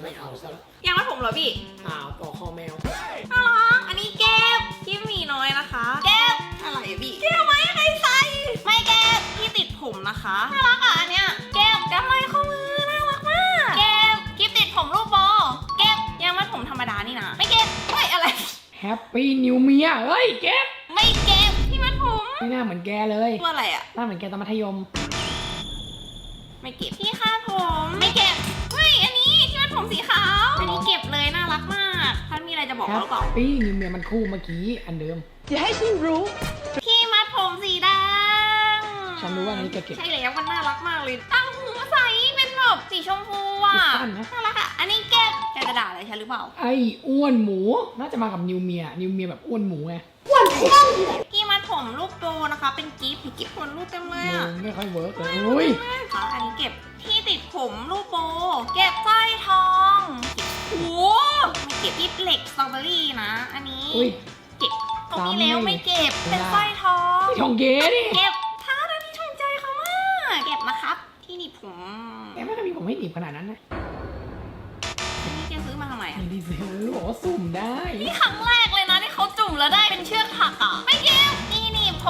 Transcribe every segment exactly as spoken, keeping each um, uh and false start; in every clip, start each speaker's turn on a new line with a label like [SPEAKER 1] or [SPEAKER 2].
[SPEAKER 1] ไม่เอาซะละ
[SPEAKER 2] ยังมัดผมเหรอพี่
[SPEAKER 1] อ้าวปอกคอแมว
[SPEAKER 2] น่ารักอันนี้เก็บที่มีน้อยนะคะเก็บอะไรอะพี่เก็บไว้ให้ใส่ไม่เก็บที่ติดผมนะคะน่ารักอ่ะอันเนี้ยเก็บกำไรข้อมือน่ารักมากเก็บกิฟติดผมรูปโบเก็บยังมัดผมธรรมดานี่นะไม่เก็บไม่อะไร
[SPEAKER 1] แฮปปี้นิวเมียเฮ้ยเก็บ
[SPEAKER 2] ไม่เก็บที่มัดผม
[SPEAKER 1] ไม่น่าเหมือนแกเลย
[SPEAKER 2] ตัวอะไรอ่ะ
[SPEAKER 1] หน้าเหมือนแกตอนมัธยม
[SPEAKER 2] ไม่เก็บที่คาดผมไม่เก็บไม่อันนี้ที่มัดผมสีขาวอันนี้เก็บเลยน่ารักมากท่านมีอะไรจะบอก
[SPEAKER 1] แฮ
[SPEAKER 2] เรา
[SPEAKER 1] ป
[SPEAKER 2] หรือเปล่า
[SPEAKER 1] ปี้นิวเมียมันคู่เมื่อกี้อันเดิม
[SPEAKER 3] อย่าให้ฉันรู้
[SPEAKER 2] ที่มัดผมสีแดง
[SPEAKER 1] ฉันรู้ว่าอันนี้แกเก็บ
[SPEAKER 2] ใช่แล้วมันน่ารักมากเลยตั้งหูใสเป็นแบบสีชมพูอ่ะ
[SPEAKER 1] คิดสั้นนะ
[SPEAKER 2] น่ารักอ่ะอันนี้เก็บแกจะด่าอะไรฉันหรือเปล่า
[SPEAKER 1] ไอ้อ้วนหมูน่าจะมากับนิวเมียนิวเมียแบบอ้วนหมูไง
[SPEAKER 2] กี้มัดผมรูปโบนะคะ เป็นกิฟต์กิฟต์คนรูปเต็มเลยอ่ะ
[SPEAKER 1] ไม่ค่อยเวิร์กเลยอุ้ย
[SPEAKER 2] ค่ะอันนี้เก็บที่ติดผมรูปโบ เก็บสร้อยทอง โอ้โหไม่เก็บกิฟต์เหล็กสตรอเบอรี่นะ อันนี้
[SPEAKER 1] อุ้ย
[SPEAKER 2] เก็บตรงนี้แล้วไม่เก็บ เป็นสร้อยทอง
[SPEAKER 1] ทองเก๋ดิ
[SPEAKER 2] เก็บท้าอันนี้ถูกใจเขามากเก็บนะครับ ที่หนีบผม
[SPEAKER 1] แกไม่เคยมีผมให้หนีบขนาดนั้นนะ
[SPEAKER 2] อันนี้แกซื้อมาทำไมอ่ะ
[SPEAKER 1] ไม่ได้ซื้อบอกว่าสุ่มได้
[SPEAKER 2] นี่ครั้งแรกเลยนะที่เขาจุ่มแล้วได้เป็นเชือกถักอ่ะ ไม่เก็บที่หนีบผม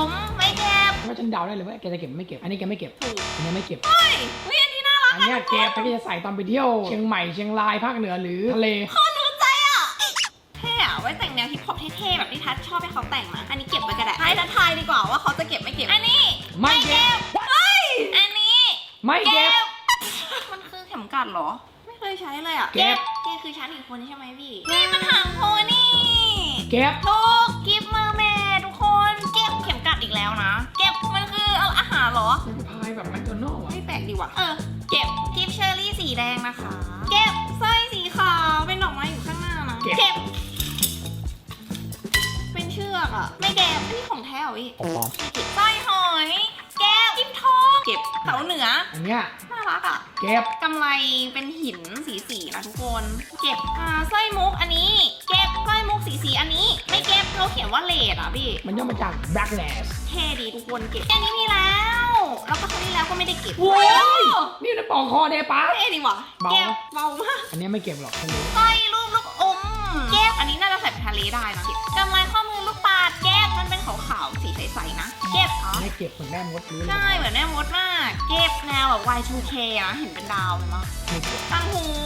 [SPEAKER 2] ไม่เก็บ
[SPEAKER 1] ว่าฉันเดาได้เลยว่าแกจะเก็บไม่เก็บ อันนี้แกไม่เก็บ
[SPEAKER 2] ถูก
[SPEAKER 1] อันนี้ไม่เก็บ
[SPEAKER 2] เฮ้ยเฮ้ยอันนี้น่ารัก
[SPEAKER 1] อันเนี้ยเก็บแต่แกจะใส่ตอนไปเที่ยวเชียงใหม่เชียงรายภาคเหนือหรือทะเล
[SPEAKER 2] เขารู้ใจอ่ะเท่อะไว้แต่งแนวฮิปฮอปเท่ๆแบบที่ทัชชอบให้เขาแต่งนะอันนี้เก็บไว้ก็ได้ให้ทัชทายดีกว่าว่าเขาจะเก็บไม่เก็บ อันนี้
[SPEAKER 1] ไม่เก็บ
[SPEAKER 2] เฮ้ยอันนี้
[SPEAKER 1] ไม่เก็บ
[SPEAKER 2] มันคือเข็มกัดเหรอ ไม่เคยใช้เลยอ่ะ
[SPEAKER 1] เก็บ
[SPEAKER 2] เก็บคือชั้นอีกคนใช่ไหมพี่ นี่มันหางโพนี่
[SPEAKER 1] เก็บ
[SPEAKER 2] ลูกกิฟต์เมอร์เมดทุกคน เก็บเข็มกัดอีกแล้วนะ เก็บมันคือเอาอาหารเหรอ
[SPEAKER 1] มันพายแบบแมคโดนัลด์อ่ะ
[SPEAKER 2] ไม่แปลกดีว่ะ เออ เก็บกิฟต์เชอร์รี่สีแดงนะคะ เก็บสร้อยสีขาวเป็นดอกไม้อยู่ข้างหน้านะ
[SPEAKER 1] เก็บ
[SPEAKER 2] เป็นเชือกอะไม่เก็บอันนี้ของแท้เหรอพี่
[SPEAKER 1] อ๋อ
[SPEAKER 2] เก็บสร้อยหอย เก็บกิฟต์ทองเก็บเสาเหนือ
[SPEAKER 1] อันเนี้ย
[SPEAKER 2] น่ารักอะ
[SPEAKER 1] เก็บ
[SPEAKER 2] กำไรเป็นหินสีสีๆนะทุกคน เก็บอ่าสร้อยมุกอันนี้ เก็บสร้อยมุกสีสีๆอันนี้ ไม่เก็บเขาเขียนว่าเลดอะพี่
[SPEAKER 1] มันย่อมาจาก backlash
[SPEAKER 2] เท่ดีทุกคนเก็บอันนี้มีแล้ว แล้วก็ครั้งที่แล้วก็ไม่ได้เก็บ
[SPEAKER 1] โอ้ยนี่มันปอกคอเดปะ
[SPEAKER 2] เท่ดีว่ะ
[SPEAKER 1] เบา
[SPEAKER 2] เก็บเบามาก
[SPEAKER 1] อันเนี้ยไม่เก็บหรอกฉันรู้
[SPEAKER 2] สร้อยรูปลูกอมเก็บอันนี้น่าจะใส่ไปทะเลได้นะกำไรข้อมือลูกปาดเก็บมันเป็นขาวๆสีใสๆนะ เก็บอ๋อ
[SPEAKER 1] ไม่เก็บเหมือนแม่มดรู้เลย
[SPEAKER 2] ใช่เหมือนแม่มดมาก เก็บแนวแบบ วาย ทู เค นะเห็นเป็นดาวเลยมั้ง
[SPEAKER 1] ไม่เก็บ
[SPEAKER 2] ตั้งหู